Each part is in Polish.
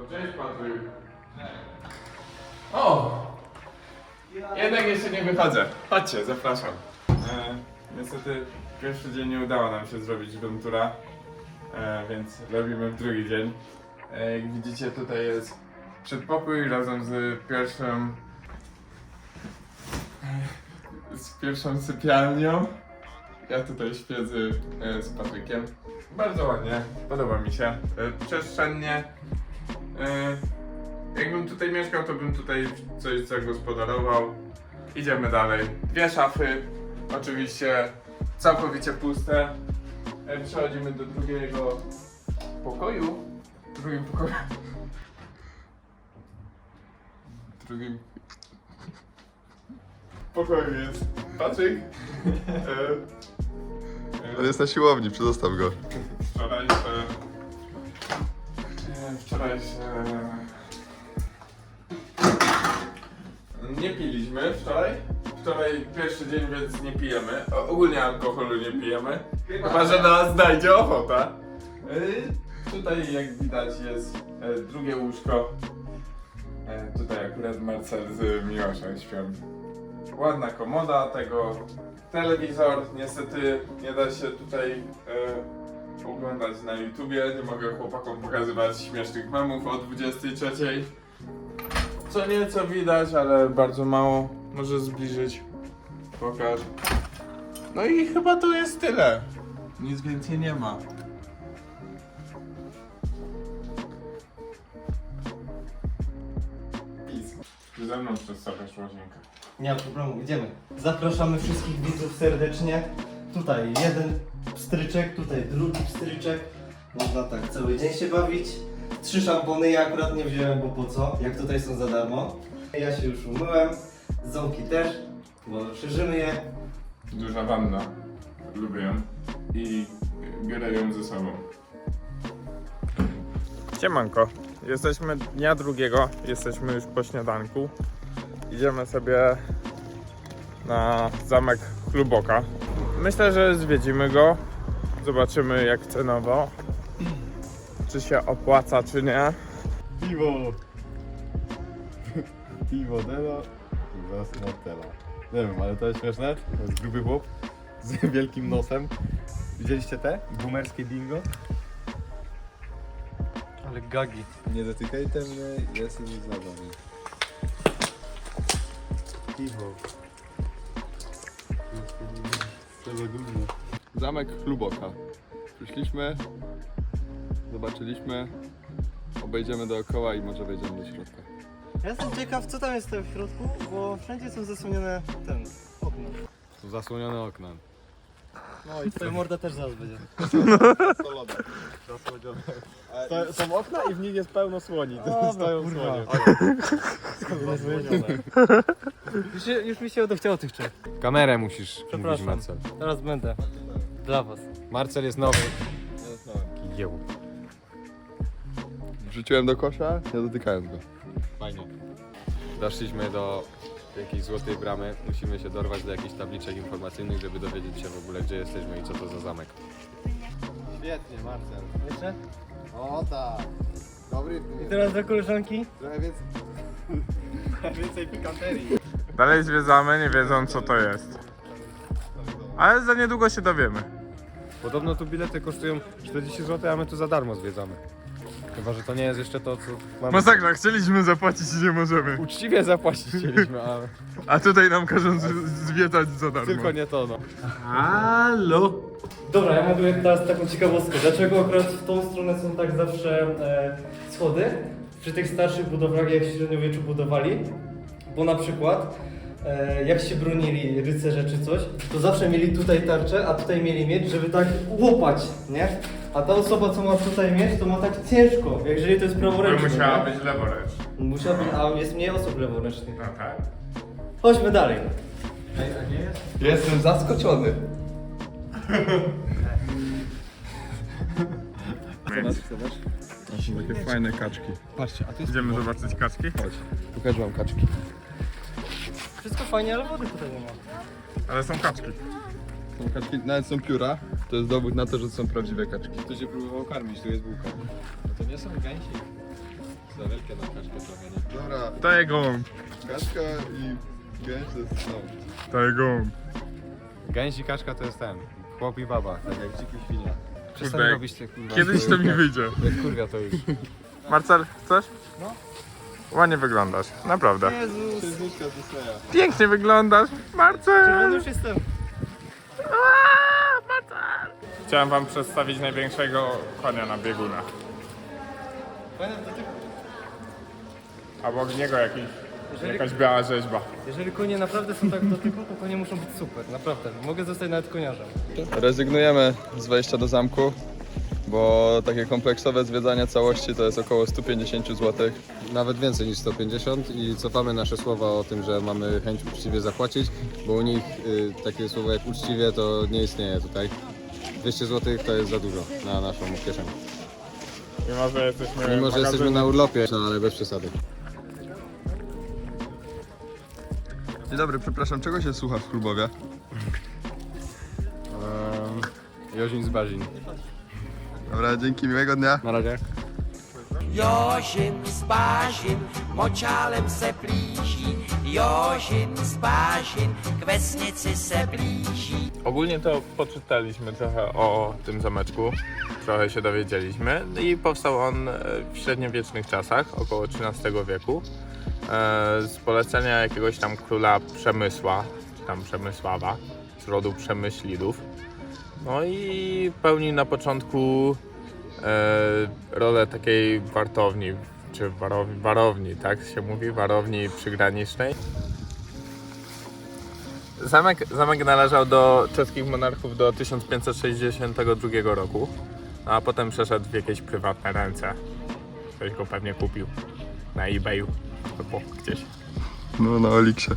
Cześć Patryk. O! Jednak jeszcze nie wychodzę. Chodźcie, zapraszam. Niestety pierwszy dzień nie udało nam się zrobić room toura, więc robimy drugi dzień. Jak widzicie, tutaj jest przedpokój razem z pierwszą sypialnią. Ja tutaj śpię z Patrykiem. Bardzo ładnie, podoba mi się. Przestrzennie. Jakbym tutaj mieszkał, to bym tutaj coś zagospodarował. Idziemy dalej. Dwie szafy, oczywiście całkowicie puste. Przechodzimy do drugiego pokoju. W drugim pokoju. W drugim pokoju jest Patryk. On jest na siłowni, przedostaw go. Wczoraj nie piliśmy wczoraj. Wczoraj pierwszy dzień, więc nie pijemy. Ogólnie alkoholu nie pijemy. Chyba że nas znajdzie ochota. Tutaj jak widać jest drugie łóżko. Tutaj akurat Marcel z Miłoszem śpią. Ładna komoda, tego telewizor. Niestety nie da się tutaj oglądać na YouTubie. Nie mogę chłopakom pokazywać śmiesznych memów o 23. Co nieco widać, ale bardzo mało. Może zbliżyć. Pokaż. No i chyba to jest tyle. Nic więcej nie ma. Ty ze mną przedstawiasz łazienkę. Nie ma problemu, idziemy. Zapraszamy wszystkich widzów serdecznie. Tutaj jeden pstryczek, tutaj drugi pstryczek. Można tak cały dzień się bawić. 3 szampony, ja akurat nie wziąłem, bo po co? Jak tutaj są za darmo. Ja się już umyłem, ząbki też, bo szerzymy je. Duża wanna. Lubię ją. I biorę ją ze sobą. Siemanko. Jesteśmy dnia drugiego. Jesteśmy już po śniadanku. Idziemy sobie na zamek Chluboka. Myślę, że zwiedzimy go. Zobaczymy jak cenowo. Czy się opłaca, czy nie. Piwo! Piwo Dela i was Martela. Nie wiem, ale to jest śmieszne. To jest gruby chłop z wielkim nosem. Widzieliście te? Boomerskie bingo? Ale gagi. Nie dotykajcie mnie, jestem z nami. Piwo. Co za gówno. Zamek Chluboka. Przyszliśmy, zobaczyliśmy, obejdziemy dookoła i może wejdziemy do środka. Ja jestem ciekaw, co tam jest w środku, bo wszędzie są zasłonione okna. Są zasłonione okna. No i twoja morda też zaraz będzie. Solone. Są okna i w nich jest pełno słoni. Stoją słonie. Już mi się odechciało tych trzech. Kamerę musisz mówić, Przepraszam. Marcel. Teraz będę. Dla was. Marcel jest nowy. Jeł. Wrzuciłem do kosza, nie dotykając go. Fajnie. Doszliśmy do jakiejś złotej bramy. Musimy się dorwać do jakichś tabliczek informacyjnych, żeby dowiedzieć się w ogóle, gdzie jesteśmy i co to za zamek. Świetnie, Marcel. Jeszcze? O tak. Dobry. I teraz do koleżanki. Trochę więcej. Więcej pikanterii. Dalej zwiedzamy, nie wiedząc co to jest. Ale za niedługo się dowiemy. Podobno tu bilety kosztują 40 zł, a my tu za darmo zwiedzamy. Chyba, że to nie jest jeszcze to, co mamy. Masakra, chcieliśmy zapłacić i nie możemy. Uczciwie zapłacić chcieliśmy, ale A tutaj nam każą zwiedzać za darmo. tylko nie to, no. Halo? Dobra, ja mogę teraz taką ciekawostkę. Dlaczego akurat w tą stronę są tak zawsze schody? Przy tych starszych budowlach, jak się w średniowieczu budowali. Bo na przykład jak się bronili rycerze czy coś, to zawsze mieli tutaj tarczę, a tutaj mieli miecz, żeby tak łopać, nie? A ta osoba, co ma tutaj miecz, to ma tak ciężko, jeżeli to jest praworęczny. Musiała nie? być leworęczna. Musiała być, a jest mniej osób leworęcznych. No tak. Chodźmy dalej. Jestem zaskoczony. Są takie fajne kaczki. Patrzcie, a to jest... Idziemy zobaczyć kaczki? Chodź, pokażę wam kaczki. Wszystko fajnie, ale wody tutaj nie ma. Ale są kaczki. Nawet są pióra. To jest dowód na to, że to są prawdziwe kaczki. Ktoś się próbował karmić, tu jest bułka. No to nie są gęsi. Za wielkie na kaczkę trochę, nie? Dobra, To jest gołąb. kaczka i gęś to jest To jest gołąb. Gęś i kaczka to jest ten. Chłop i baba, tak jak dziki świnia. Przestań Kurde, robić te kurwa. Kiedyś to mi wyjdzie. Jak kurwa to już. Marcel, chcesz? No. Ładnie wyglądasz, naprawdę. księżniczka Disneya. Pięknie wyglądasz, Marcel! już jestem. Chciałem wam przedstawić największego konia na biegunach. Obok niego jakaś biała rzeźba. Jeżeli konie naprawdę są tak w dotyku, to konie muszą być super, naprawdę. Mogę zostać nawet koniarzem. Rezygnujemy z wejścia do zamku, bo takie kompleksowe zwiedzanie całości to jest około 150 zł. Nawet więcej niż 150 i cofamy nasze słowa o tym, że mamy chęć uczciwie zapłacić, bo u nich takie słowo jak uczciwie to nie istnieje tutaj. 200 zł to jest za dużo na naszą kieszeń. Mimo, że jesteśmy na urlopie, no ale bez przesady. Dzień dobry, przepraszam, czego się słucha w Klubowie? Jozin z Bazin. Dobra, dzięki, miłego dnia. Na razie. Jozin z Bazin, močálem se blíží. Jozin z Bazin, k vesnici se blíží. Ogólnie to poczytaliśmy trochę o tym zameczku, trochę się dowiedzieliśmy i powstał on w średniowiecznych czasach, około XIII wieku, z polecenia jakiegoś tam króla Przemysła, czy tam Przemysława, z rodu Przemyślidów. No i pełnił na początku rolę takiej wartowni, czy warowni, tak się mówi, warowni przygranicznej. Zamek należał do czeskich monarchów do 1562 roku, a potem przeszedł w jakieś prywatne ręce. Ktoś go pewnie kupił na eBayu albo gdzieś. No, na Oliksie.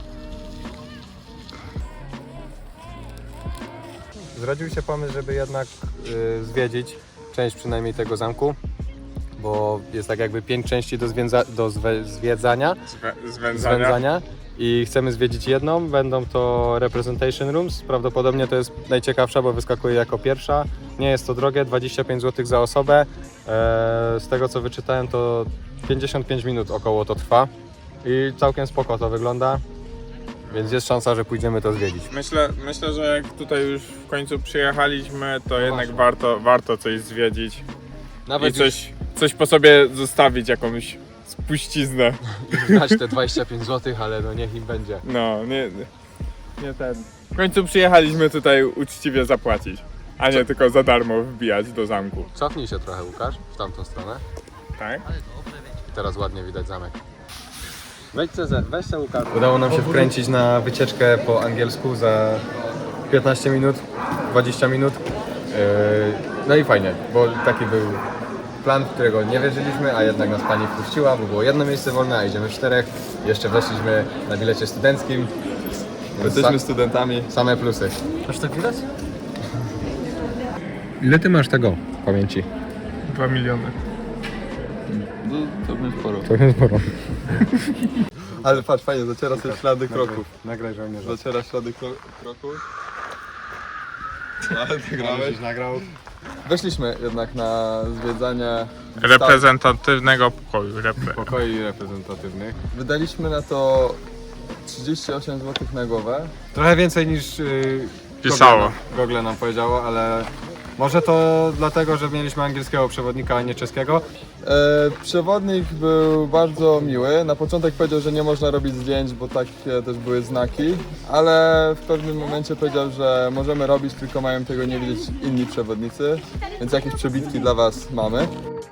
Zrodził się pomysł, żeby jednak zwiedzić część przynajmniej tego zamku, bo jest tak jakby 5 części do zwiedzania, zwędzania i chcemy zwiedzić jedną. Będą to Representation Rooms, prawdopodobnie to jest najciekawsza, bo wyskakuje jako pierwsza. Nie jest to drogie, 25 zł za osobę. Z tego co wyczytałem to 55 minut około to trwa i całkiem spoko to wygląda. Więc jest szansa, że pójdziemy to zwiedzić. Myślę, że jak tutaj już w końcu przyjechaliśmy, to jednak warto coś zwiedzić Nawet i coś po sobie zostawić, jakąś spuściznę. znać te 25 zł, ale no niech im będzie. No, nie ten. W końcu przyjechaliśmy tutaj uczciwie zapłacić, a nie tylko za darmo wbijać do zamku. Cofnij się trochę, Łukasz, w tamtą stronę. Tak? I teraz ładnie widać zamek. Weź se Łukasz. Udało nam się wkręcić na wycieczkę po angielsku za 15 minut, 20 minut. No i fajnie, bo taki był plan, w którego nie wierzyliśmy, a jednak nas pani wpuściła, bo było jedno miejsce wolne, a idziemy w 4. Jeszcze weszliśmy na bilecie studenckim. Więc Jesteśmy studentami. same plusy. Aż tak widać? Ile ty masz tego w pamięci? 2 miliony. No, to będzie sporo. To jest sporo. Ale patrz, fajnie, zaciera sobie ślady kroków. Nagraj żołnierza. Zaciera ślady kroków. Ale wygrałeś. Nagrał. Weszliśmy jednak na zwiedzanie Reprezentatywnego pokoju. Pokoi reprezentatywnych. Wydaliśmy na to 38 zł na głowę. Trochę więcej niż Pisało. Google nam powiedziało, ale może to dlatego, że mieliśmy angielskiego przewodnika, a nie czeskiego. Przewodnik był bardzo miły. Na początek powiedział, że nie można robić zdjęć, bo takie też były znaki, ale w pewnym momencie powiedział, że możemy robić, tylko mają tego nie widzieć inni przewodnicy, więc jakieś przebitki dla Was mamy.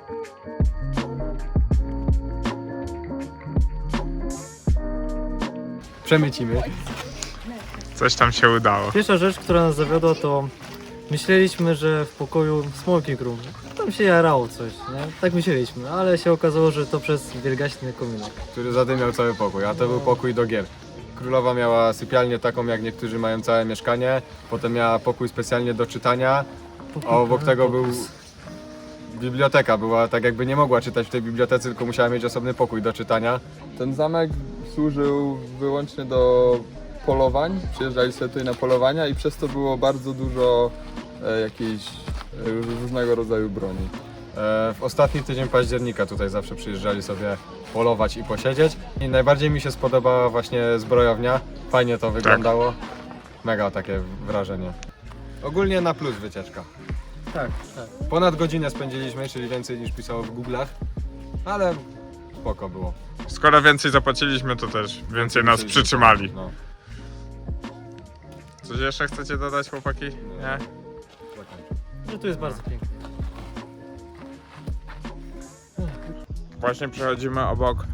Przemycimy. Coś tam się udało. Pierwsza rzecz, która nas zawiodła, to myśleliśmy, że w pokoju smoking room. Tam się jarało coś, nie? Tak myśleliśmy, ale się okazało, że to przez wielgaśny kominek. Który zadymiał cały pokój, a to był pokój do gier. Królowa miała sypialnię taką, jak niektórzy mają całe mieszkanie, potem miała pokój specjalnie do czytania, a obok tego był biblioteka. Była tak jakby nie mogła czytać w tej bibliotece, tylko musiała mieć osobny pokój do czytania. Ten zamek służył wyłącznie do polowań, przyjeżdżali sobie tutaj na polowania i przez to było bardzo dużo jakiejś różnego rodzaju broni. W ostatni tydzień października tutaj zawsze przyjeżdżali sobie polować i posiedzieć. I najbardziej mi się spodobała właśnie zbrojownia. Fajnie to wyglądało. Mega takie wrażenie. Ogólnie na plus wycieczka. Tak, tak. Ponad godzinę spędziliśmy, czyli więcej niż pisało w Google'ach. Ale spoko było. Skoro więcej zapłaciliśmy, to też więcej nas przytrzymali. No. Coś jeszcze chcecie dodać, chłopaki? Nie? Że tu jest bardzo pięknie. Właśnie przechodzimy obok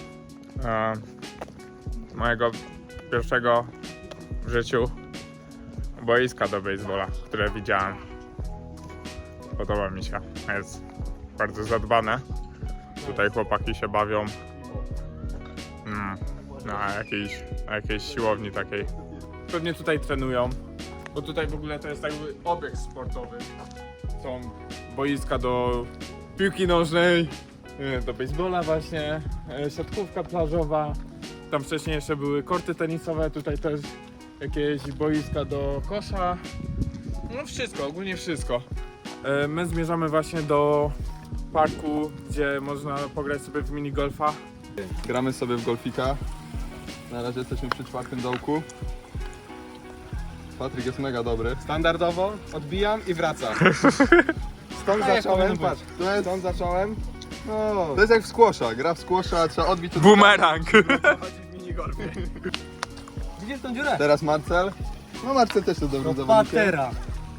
mojego pierwszego w życiu boiska do baseballa, które widziałem. Podoba mi się, jest bardzo zadbane. Tutaj chłopaki się bawią na jakiejś siłowni takiej. Pewnie tutaj trenują, bo tutaj w ogóle to jest jakby obiekt sportowy. Są boiska do piłki nożnej, do baseballa właśnie, siatkówka plażowa. Tam wcześniej jeszcze były korty tenisowe, tutaj też jakieś boiska do kosza. No wszystko, ogólnie wszystko. My zmierzamy właśnie do parku, gdzie można pograć sobie w minigolfa. Gramy sobie w golfika. Na razie jesteśmy przy 4. dołku. Patryk jest mega dobry. Standardowo odbijam i wracam. Stąd zacząłem, patrz, stąd zacząłem. No, To jest jak w squasha. Gra w squasha, trzeba odbić od... Bumerang! Widzisz tą dziurę? Teraz Marcel. No Marcel też jest dobrym zawodnikiem. Patera.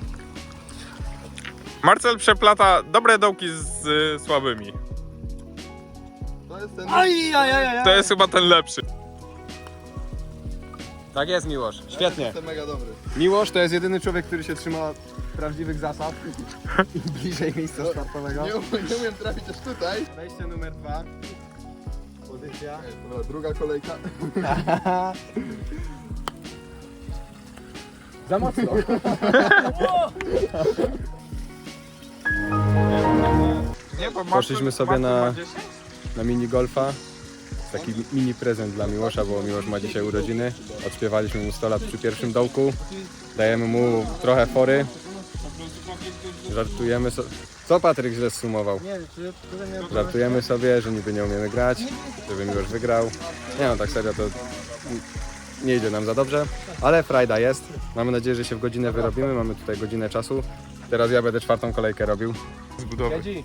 Marcel przeplata dobre dołki z słabymi. To jest ten... To jest chyba ten lepszy. tak jest, Miłosz. Świetnie. Jestem mega dobry. Miłosz to jest jedyny człowiek, który się trzyma prawdziwych zasad i bliżej miejsca startowego. Nie umiem trafić aż tutaj. Wejście numer 2. Pozycja. Dobra, druga kolejka. Za mocno. Nie, bo Poszliśmy sobie na minigolfa. Taki mini prezent dla Miłosza, bo Miłosz ma dzisiaj urodziny. Odśpiewaliśmy mu 100 lat przy pierwszym dołku. Dajemy mu trochę fory. Żartujemy sobie. Co Patryk źle zsumował? Żartujemy sobie, że niby nie umiemy grać, żeby Miłosz wygrał. Nie no, tak serio to nie idzie nam za dobrze, ale frajda jest. Mamy nadzieję, że się w godzinę wyrobimy. Mamy tutaj godzinę czasu. Teraz ja będę 4. kolejkę robił. zbudowy.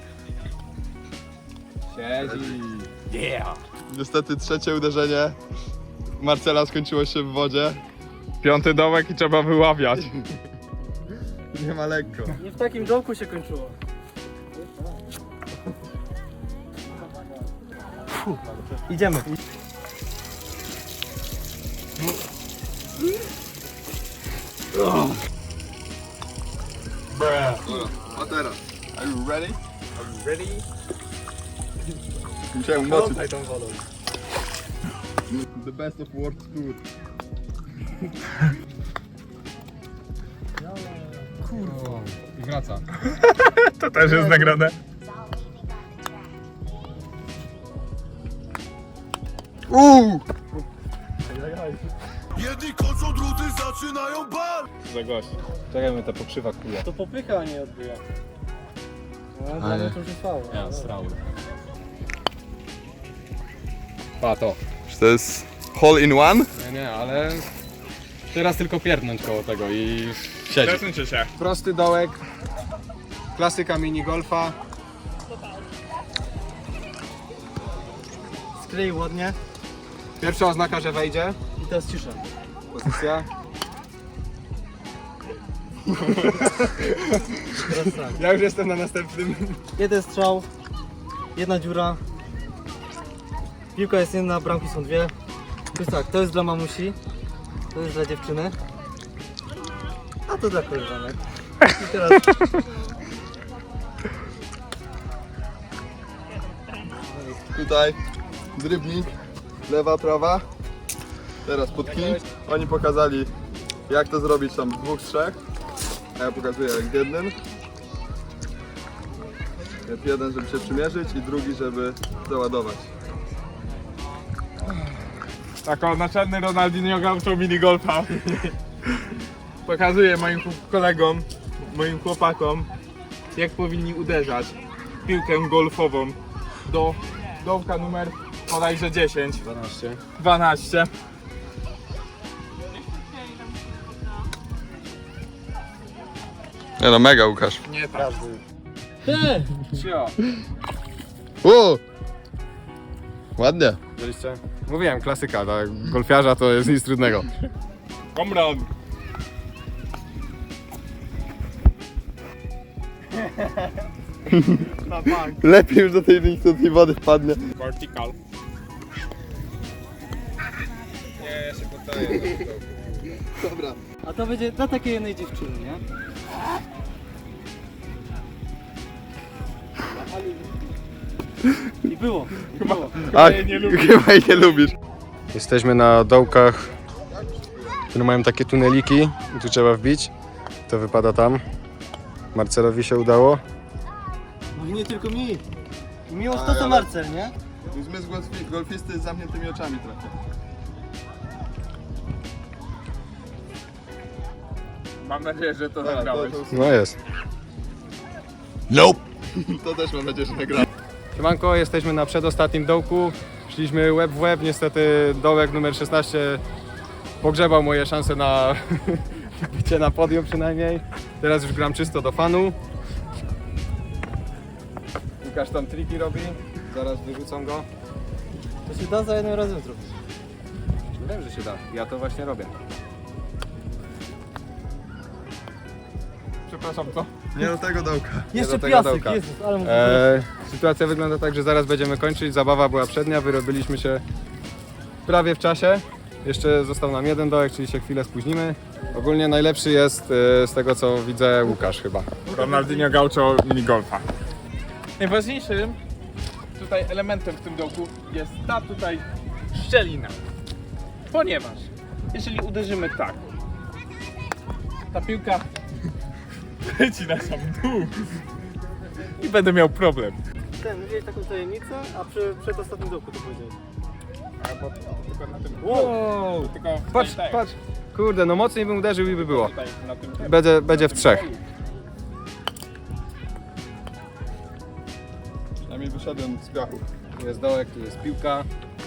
Niestety trzecie uderzenie Marcela skończyło się w wodzie. 5. dołek i trzeba wyławiać. Nie ma lekko. Nie w takim dołku się kończyło. Idziemy. A teraz. Are you ready? Musiałem umoczyć. The best of world tour. I wraca. To też jest nagrane. Jedni kończą, drudzy zaczynają bal. Za gość. Czekajmy, ta pokrzywa kule. To popycha, a nie odbija. No, dla mnie to już jest faul. Ja, srały. Pa to. Czy to jest hole in one? Nie, ale teraz tylko pierdnąć koło tego i siedzi. Przesuńcie się. Prosty dołek, klasyka minigolfa. Sklei ładnie Pierwsza oznaka, że wejdzie. i teraz cisza. Pozycja. Teraz tak. Ja już jestem na następnym. Jeden strzał, jedna dziura. Piłka jest jedna, bramki są dwie. Więc tak, to jest dla mamusi, to jest dla dziewczyny, a to dla koleżanek. I teraz Tutaj drybnik, lewa, prawa. Teraz podkij. Oni pokazali jak to zrobić tam w 2 z 3. A ja pokazuję jak w jednym. Jeden, żeby się przymierzyć i drugi, żeby załadować. Taką naczelny Ronaldinho Gaucho minigolfa. Pokazuję moim kolegom, moim chłopakom, jak powinni uderzać piłkę golfową do dołka numer bodajże 10. 12. Nie no, mega Łukasz. Nie tak. Cio. O! Ładnie. Widzieliście? Mówiłem, klasyka, dla golfiarza to jest nic trudnego. Komran. Lepiej już do tej tej wody wpadnie. Vertical. Nie, ja się poddaję. Dobra. A to będzie dla takiej jednej dziewczyny, nie? I było. A, chyba jej nie lubisz. Jesteśmy na dołkach, które mają takie tuneliki i tu trzeba wbić. To wypada tam. Marcelowi się udało. No i nie tylko mi. Miłość to co Marcel, nie? Zmysł golfisty z zamkniętymi oczami trochę. Mam nadzieję, że to nagrałeś. No jest. Nope. To też mam nadzieję, że nagrałem. Siemanko, jesteśmy na przedostatnim dołku. Szliśmy łeb w łeb, niestety dołek numer 16 pogrzebał moje szanse na bycie na podium przynajmniej. Teraz już gram czysto do fanu. Łukasz tam triki robi, zaraz wyrzucą go. To się da za jednym razem zrobić. Wiem, że się da, ja to właśnie robię. Przepraszam, co? Nie do tego dołka. Jeszcze do tego piasek, dołka. Jezus, ale mu Sytuacja wygląda tak, że zaraz będziemy kończyć. Zabawa była przednia, wyrobiliśmy się prawie w czasie. Jeszcze został nam jeden dołek, czyli się chwilę spóźnimy. Ogólnie najlepszy jest z tego co widzę Łukasz chyba. Ronaldinho Gaucho minigolfa. Najważniejszym tutaj elementem w tym dołku jest ta tutaj szczelina. Ponieważ jeżeli uderzymy tak, ta piłka leci na sam dół i będę miał problem. Ten, widziałeś taką tajemnicę, a przed ostatnim dołku to powiedziałeś. Albo tylko na tym. Wow! Tylko Patrz, tutaj, patrz! Kurde, no mocniej bym uderzył i by było. tutaj, na tym. Będzie w trzech. Przynajmniej wyszedłem z piachu. Tu jest dołek, tu jest piłka.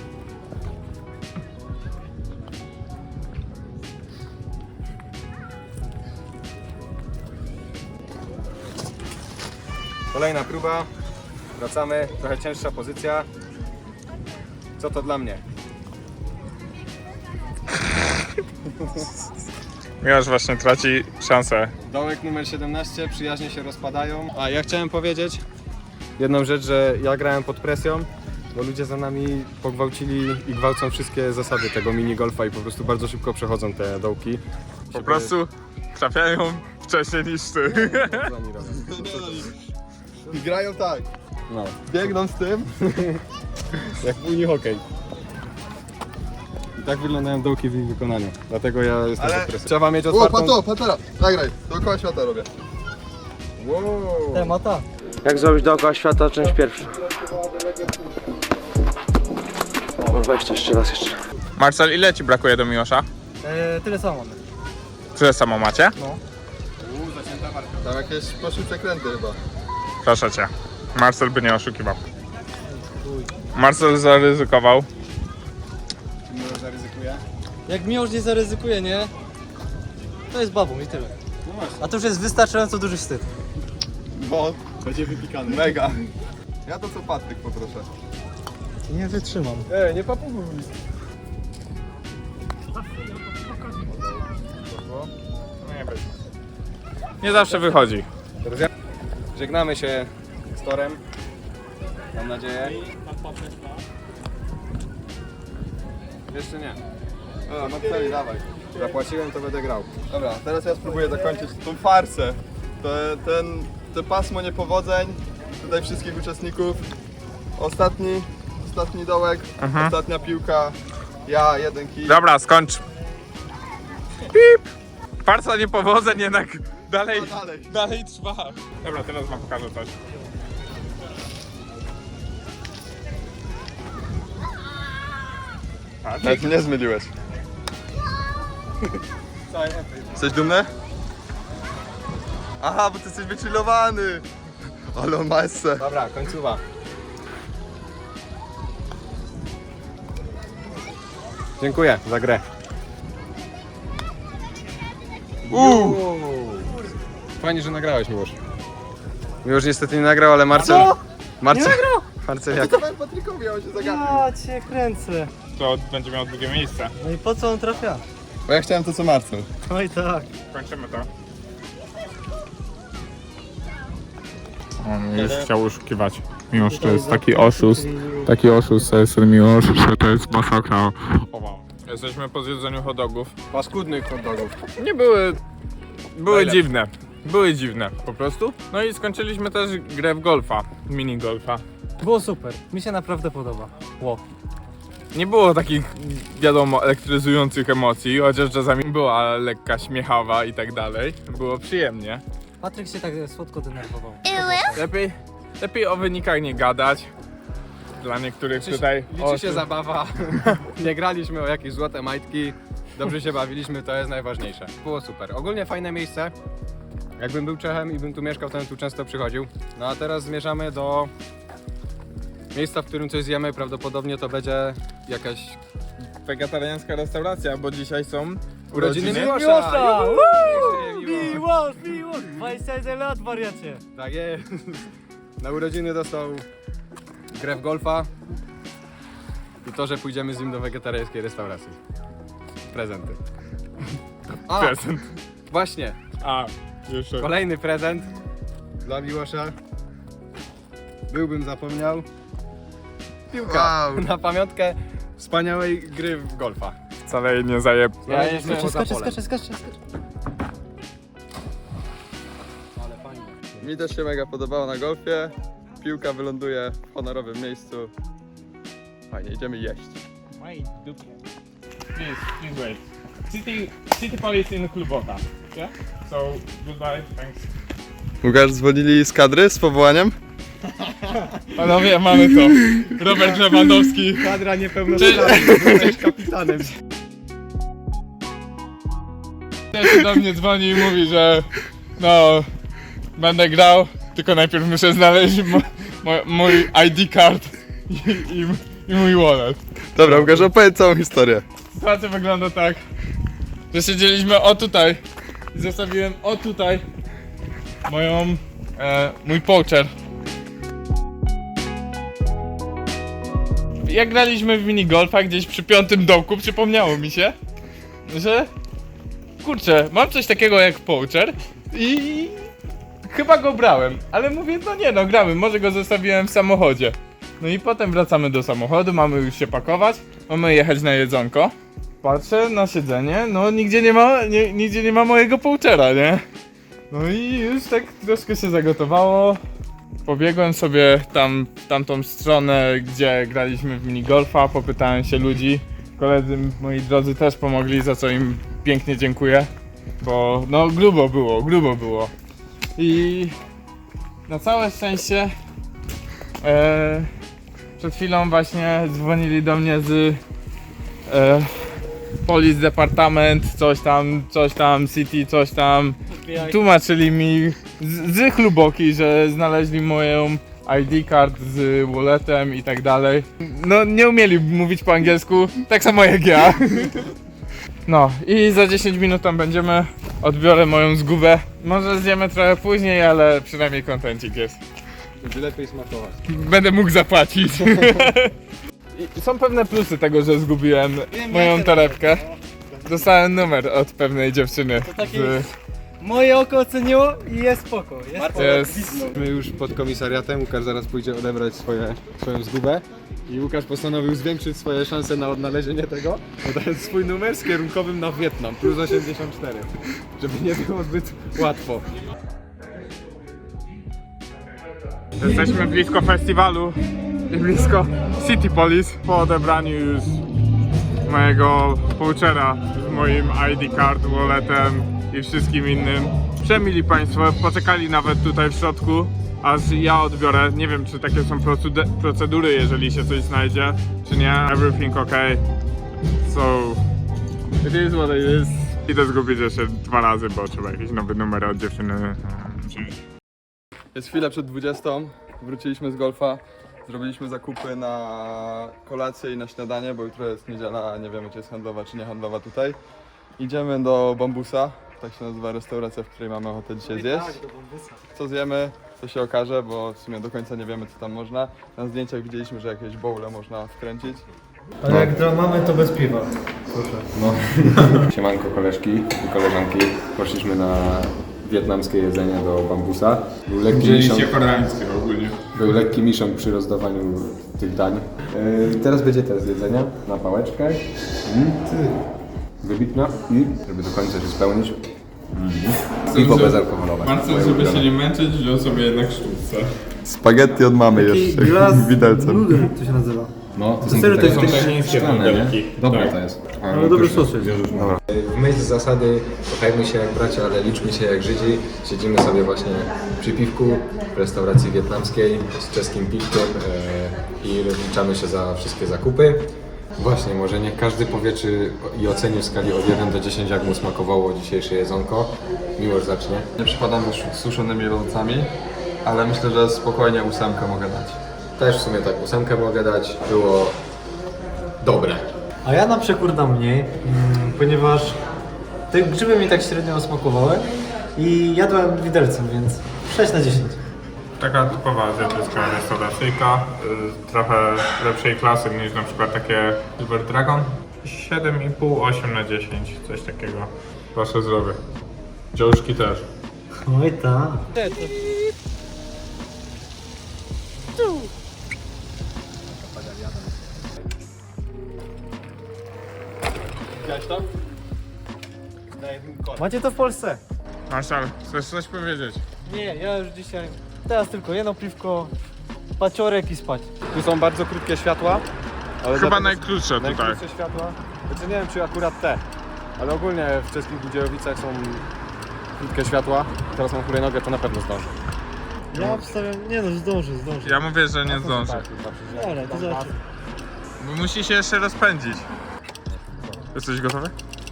Kolejna próba. Wracamy. Trochę cięższa pozycja. Co to dla mnie? Miłosz właśnie traci szansę. Dołek numer 17, przyjaźnie się rozpadają. A ja chciałem powiedzieć jedną rzecz, że ja grałem pod presją, bo ludzie za nami pogwałcili i gwałcą wszystkie zasady tego minigolfa i po prostu bardzo szybko przechodzą te dołki. Po prostu trafiają wcześniej niż ty. Co oni robią? I grają tak. No, Biegną z tym. jak w Unii Hokej. I tak wyglądają dołki w ich wykonaniu. Dlatego ja jestem Ale- pod presją. Trzeba mieć O, otwartą... patera. Nagraj. Dookoła świata robię. Wow. Temata. Jak zrobić dookoła świata, część pierwsza. O, weź to jeszcze raz jeszcze. Marcel, ile ci brakuje do Miłosza? Tyle samo mamy. Tyle samo macie? Tam jakieś poszły przekręty chyba. Proszę cię. Marcel by nie oszukiwał. Marcel zaryzykował. Miłosz zaryzykuje. Jak Miłosz nie zaryzykuje, nie? To jest babą i tyle. No właśnie. A to już jest wystarczająco duży wstyd. Bo Będzie wypikany. mega. Ja to co Patryk poproszę. Nie wytrzymam. Nie papuguj. Nie zawsze wychodzi. Teraz ja... Żegnamy się z torem. Mam nadzieję. Jeszcze nie. O, Marceli, dawaj. Zapłaciłem, to będę grał. Dobra, teraz ja spróbuję dokończyć tą farsę. Te pasmo niepowodzeń, tutaj wszystkich uczestników. Ostatni dołek, ostatnia piłka, ja, jeden kij. Dobra, skończ. Pip! Farsa niepowodzeń jednak dalej, No dalej. dalej trwa. Dobra, teraz wam pokażę coś. Nawet mnie zmyliłeś. Jesteś dumny? Aha, bo ty jesteś wychillowany. Ale on ma esse. Dobra, końcowa. Dziękuję za grę. Fajnie, że nagrałeś, Miłosz. Miłosz niestety nie nagrał, ale Marcel... Marcel... Nie nagrał? Marcel jak... Patrykowi, on się zagapił. Ja cię kręcę. To będzie miał drugie miejsce. No i po co on trafia? Bo ja chciałem to co Marcel. No i tak. Kończymy to. On już chciał oszukiwać. Mimo, że to jest taki oszust. Taki oszust to jest ten Miłosz, że to jest masakra. Jesteśmy po zjedzeniu hot dogów. Paskudnych hot dogów. Nie były... Były dziwne. Były dziwne po prostu. No i skończyliśmy też grę w golfa. Mini golfa. Było super. Mi się naprawdę podoba. Wow. Nie było takich, wiadomo, elektryzujących emocji, chociaż czasami była lekka śmiechawa i tak dalej. Było przyjemnie. Patryk się tak słodko denerwował. Lepiej o wynikach nie gadać. Dla niektórych tutaj... Liczy się zabawa. Nie graliśmy o jakieś złote majtki. Dobrze się bawiliśmy, to jest najważniejsze. Było super. Ogólnie fajne miejsce. Jakbym był Czechem i bym tu mieszkał, to bym tu często przychodził. No a teraz zmierzamy do miejsca, w którym coś zjemy. Prawdopodobnie to będzie jakaś Wegetariańska restauracja, bo dzisiaj są urodziny Miłosza! Miłosza! Juhu! Miłosz! 21 lat, wariacie! Tak jest. Na urodziny dostał grę w golfa i to, że pójdziemy z nim do wegetariańskiej restauracji. Prezenty. A, prezent. właśnie. A, jeszcze. Kolejny prezent dla Miłosza. Byłbym zapomniał. Piłka. Wow. Na pamiątkę wspaniałej gry w golfa. Wcale jej nie zajeb... Znaleźliśmy poza polem. Skacze. Ale fajnie. Mi też się mega podobało na golfie. Piłka wyląduje w honorowym miejscu. Fajnie, idziemy jeść. Please wait. City Police in Klubota. Yeah? So, goodbye, thanks. Łukasz, dzwonili z kadry z powołaniem? Panowie, mamy to. Robert Lewandowski. Kadra niepełnosprawna, jesteś kapitanem. Też do mnie dzwoni i mówi, że no, będę grał, tylko najpierw muszę znaleźć mój ID card i mój wallet. Dobra, Łukasz, opowiedz całą historię. Sytuacja wygląda tak, że siedzieliśmy o tutaj i zostawiłem o tutaj mój poacher. Jak graliśmy w minigolfa gdzieś przy 5. dołku, przypomniało mi się, że kurczę, mam coś takiego jak poacher i chyba go brałem, ale mówię, no nie no, gramy, może go zostawiłem w samochodzie. No i potem wracamy do samochodu, mamy już się pakować, mamy jechać na jedzonko. Patrzę na siedzenie, no nigdzie nie ma mojego poachera, nie? No i już tak troszkę się zagotowało. Pobiegłem sobie w tamtą stronę, gdzie graliśmy w minigolfa, popytałem się ludzi. Koledzy moi drodzy też pomogli, za co im pięknie dziękuję. Bo no grubo było. I na całe szczęście przed chwilą właśnie dzwonili do mnie z Police Department, coś tam, City, coś tam. Tłumaczyli mi z chluboki, że znaleźli moją ID card z walletem i tak dalej. No nie umieli mówić po angielsku, tak samo jak ja. No i za 10 minut tam będziemy, odbiorę moją zgubę. Może zjemy trochę później, ale przynajmniej kontencik jest. Będzie lepiej smakować. Będę mógł zapłacić. I są pewne plusy tego, że zgubiłem moją torebkę. Dostałem numer od pewnej dziewczyny. Moje oko oceniło i jest spoko. My już pod komisariatem, Łukasz zaraz pójdzie odebrać swoją zgubę i Łukasz postanowił zwiększyć swoje szanse na odnalezienie tego, dodając swój numer z kierunkowym na Wietnam, plus 84, żeby nie było zbyt łatwo. Jesteśmy blisko festiwalu i blisko City Police. Po odebraniu już mojego poachera z moim ID card, walletem i wszystkim innym. Przemili Państwo, poczekali nawet tutaj w środku, aż ja odbiorę. Nie wiem, czy takie są procedury, jeżeli się coś znajdzie, czy nie. Everything ok. So, it is what it is. Idę zgubić jeszcze 2 razy, bo trzeba jakiś nowy numer od dziewczyny wziąć. Jest chwilę przed 20. Wróciliśmy z golfa. Zrobiliśmy zakupy na kolację i na śniadanie, bo jutro jest niedziela, a nie wiemy, czy jest handlowa, czy nie handlowa tutaj. Idziemy do Bambusa, tak się nazywa restauracja, w której mamy ochotę dzisiaj zjeść. Co zjemy, to się okaże, bo w sumie do końca nie wiemy, co tam można. Na zdjęciach widzieliśmy, że jakieś bowle można wkręcić. Ale jak dla mamy, to bez piwa. Proszę. Siemanko koleżki i koleżanki. Poszliśmy na wietnamskie jedzenie do Bambusa. Był lekki miszą przy rozdawaniu tych dań. Teraz będzie test jedzenia na pałeczkę. Wybitna i żeby do końca się spełnić. Piwo bezalkoholowe. Marcel, żeby się nie męczyć, wziął sobie jednak sztuczce. Spaghetti od mamy jeszcze, widelcem. Nudel to się nazywa. No, to są Serio, tutaj to jest takie chińskie szklane, modelki. nie? Dobre Tak. to jest. Ale dobry sos jest. W myśl zasady kochajmy się jak bracia, ale liczmy się jak Żydzi. Siedzimy sobie właśnie przy piwku w restauracji wietnamskiej z czeskim piwkiem i rozliczamy się za wszystkie zakupy. Właśnie, może niech każdy powie i oceni w skali od 1 do 10, jak mu smakowało dzisiejsze jedzonko. Miłość zacznie. Nie przypadam z suszonymi lodowcami, ale myślę, że spokojnie 8 mogę dać. Też w sumie tak 8 mogę dać. Było dobre. A ja na przekór dam mniej, ponieważ te grzyby mi tak średnio smakowały i jadłem widelcem, więc 6 na 10. Taka typowa azjatycka restauracyjka, trochę lepszej klasy niż na przykład takie Silver Dragon. 7,5, 8 na 10, coś takiego. Wasze zdrowie. Dziążki też. Oj tak. Macie to w Polsce? Marszal, chcesz coś powiedzieć? Nie, ja już dzisiaj. Teraz tylko jedno piwko, paciorek i spać. Tu są bardzo krótkie światła. Ale Chyba dlatego- najkrótsze tutaj. Najkrótsze światła. Znaczy nie wiem, czy akurat te. Ale ogólnie w czeskich Budziejowicach są krótkie światła. Teraz mam hulajnogę, to na pewno zdążę. Ja obstawiam, nie no, zdążę. Ja mówię, że nie zdąży. Dobra, to zobaczymy. Bo musi się jeszcze rozpędzić. Jesteś gotowy?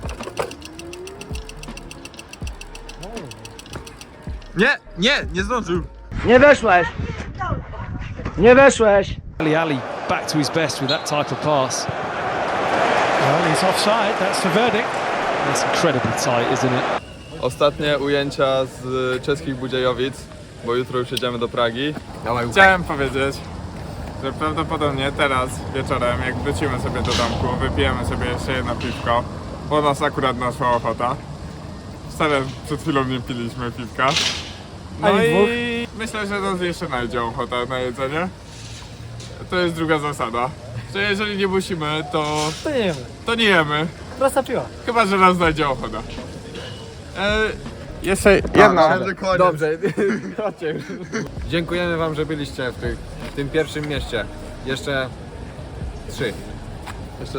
Nie zdążył. Nie weszłeś! Nie weszłeś! Ali back to his best with that type of pass. Well, he's offside. That's the verdict. That's incredibly tight, isn't it? Ostatnie ujęcia z czeskich Budziejowic, bo jutro już jedziemy do Pragi. Chciałem powiedzieć, że prawdopodobnie teraz wieczorem, jak wrócimy sobie do domku, wypijemy sobie jeszcze jedno piwko, bo nas akurat naszła ochota. Wcale przed chwilą nie piliśmy piwka. No Ani dwóch. i myślę, że nas jeszcze znajdzie ochota na jedzenie. To jest druga zasada, że jeżeli nie musimy, To nie wiemy. to nie jemy. Prosta piła. Chyba, że nas znajdzie ochota. Jeszcze jedna. Dobrze, dziękujemy wam, że byliście w tym pierwszym mieście. Jeszcze 3. Jeszcze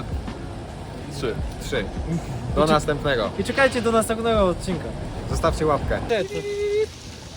3. Do następnego. I czekajcie do następnego odcinka. Zostawcie łapkę. Nie, to